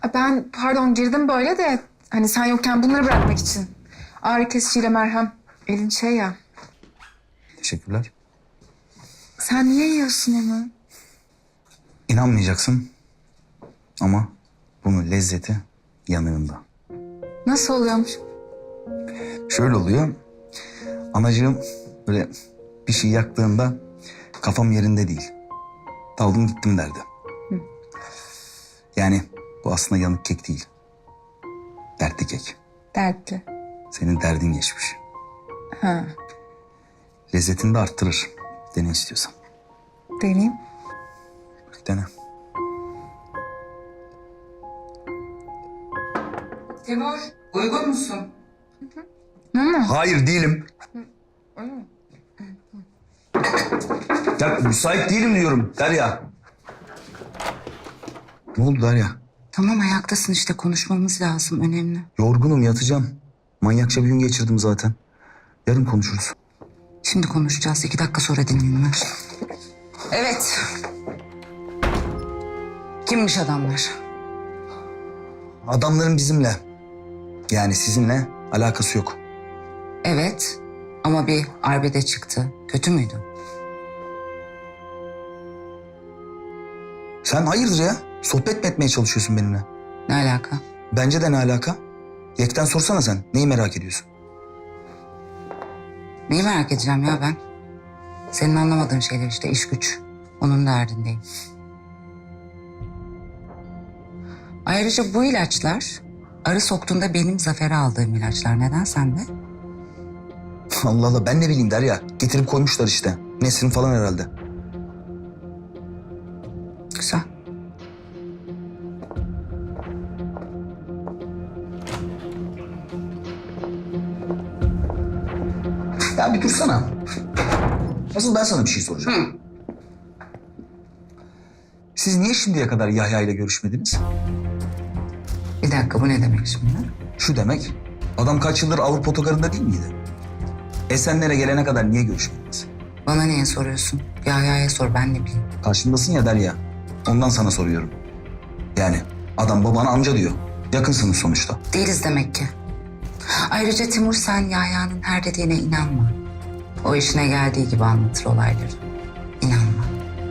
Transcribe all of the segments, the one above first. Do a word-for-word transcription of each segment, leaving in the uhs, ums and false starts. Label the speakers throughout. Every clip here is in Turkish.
Speaker 1: Ha, ben pardon girdim böyle de hani sen yokken bunları bırakmak için. Ağrı kesiciyle merhem. Elin şey ya.
Speaker 2: Teşekkürler.
Speaker 1: Sen niye yiyorsun onu?
Speaker 2: İnanmayacaksın ama bunun lezzeti yanığında.
Speaker 1: Nasıl oluyormuş?
Speaker 2: Şöyle oluyor. Anacığım böyle bir şey yaktığında kafam yerinde değil. Daldım gittim derdi.
Speaker 1: Hı.
Speaker 2: Yani bu aslında yanık kek değil. Dertli kek.
Speaker 1: Dertli.
Speaker 2: Senin derdin geçmiş.
Speaker 1: Ha,
Speaker 2: Lezzetini de arttırır. Dene istiyorsan.
Speaker 1: deneyeyim.
Speaker 2: Dene.
Speaker 1: Timur, uygun musun? Hı hı.
Speaker 2: Hayır değilim. Ya müsait değilim diyorum Derya. Ne oldu Derya?
Speaker 3: Tamam ayaktasın işte konuşmamız lazım önemli.
Speaker 2: Yorgunum yatacağım. Manyakça bir gün geçirdim zaten. Yarın konuşuruz.
Speaker 3: Şimdi konuşacağız iki dakika sonra dinlenir. Evet. Kimmiş adamlar?
Speaker 2: Adamların bizimle, yani sizinle alakası yok.
Speaker 3: Evet ama bir arbede çıktı. Kötü müydü?
Speaker 2: Sen hayırdır ya? Sohbet mi etmeye çalışıyorsun benimle?
Speaker 3: Ne alaka?
Speaker 2: Bence de ne alaka? Yekten sorsana sen. Neyi merak ediyorsun?
Speaker 3: Neyi merak edeceğim ya ben? Senin anlamadığın şeyler işte iş güç. Onun derdindeyim. Ayrıca bu ilaçlar arı soktuğunda benim Zafer'e aldığım ilaçlar. Neden sende?
Speaker 2: Allah Allah ben ne bileyim Derya. Getirip koymuşlar işte. Nesrin falan herhalde.
Speaker 3: Güzel.
Speaker 2: Ya bir dursana. Asıl ben sana bir şey soracağım.
Speaker 3: Hı.
Speaker 2: Siz niye şimdiye kadar Yahya ile görüşmediniz?
Speaker 3: Bir dakika bu ne demek şimdi?
Speaker 2: Şu demek, adam kaç yıldır Avrupa otogarında değil miydi? Esenler'e gelene kadar niye görüşmediniz?
Speaker 3: Bana niye soruyorsun? Yahya'ya sor ben ne bileyim.
Speaker 2: Karşındasın ya Derya. Ondan sana soruyorum. Yani adam babana amca diyor. Yakınsınız sonuçta.
Speaker 3: Değiliz demek ki. Ayrıca Timur sen Yahya'nın her dediğine inanma. O işine geldiği gibi anlatır olayları. İnanma.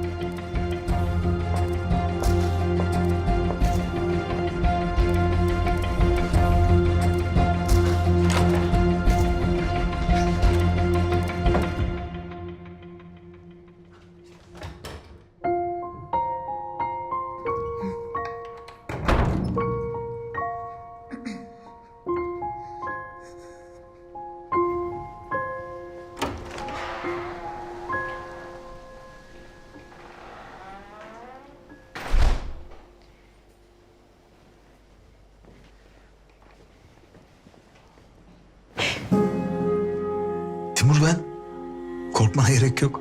Speaker 2: Timur ben. Korkmana gerek yok.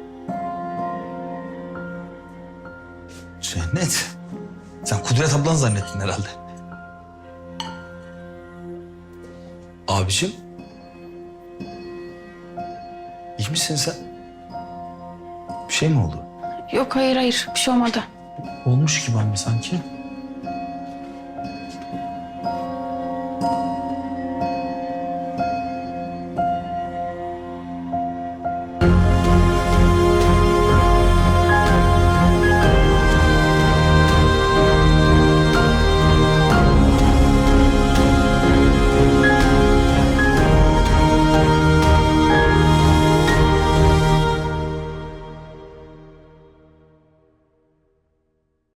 Speaker 2: Cennet. Sen Kudret ablan zannettin herhalde. Abiciğim. İyi misin sen? Bir şey mi oldu?
Speaker 4: Yok hayır hayır bir şey olmadı.
Speaker 5: Olmuş gibi anne sanki.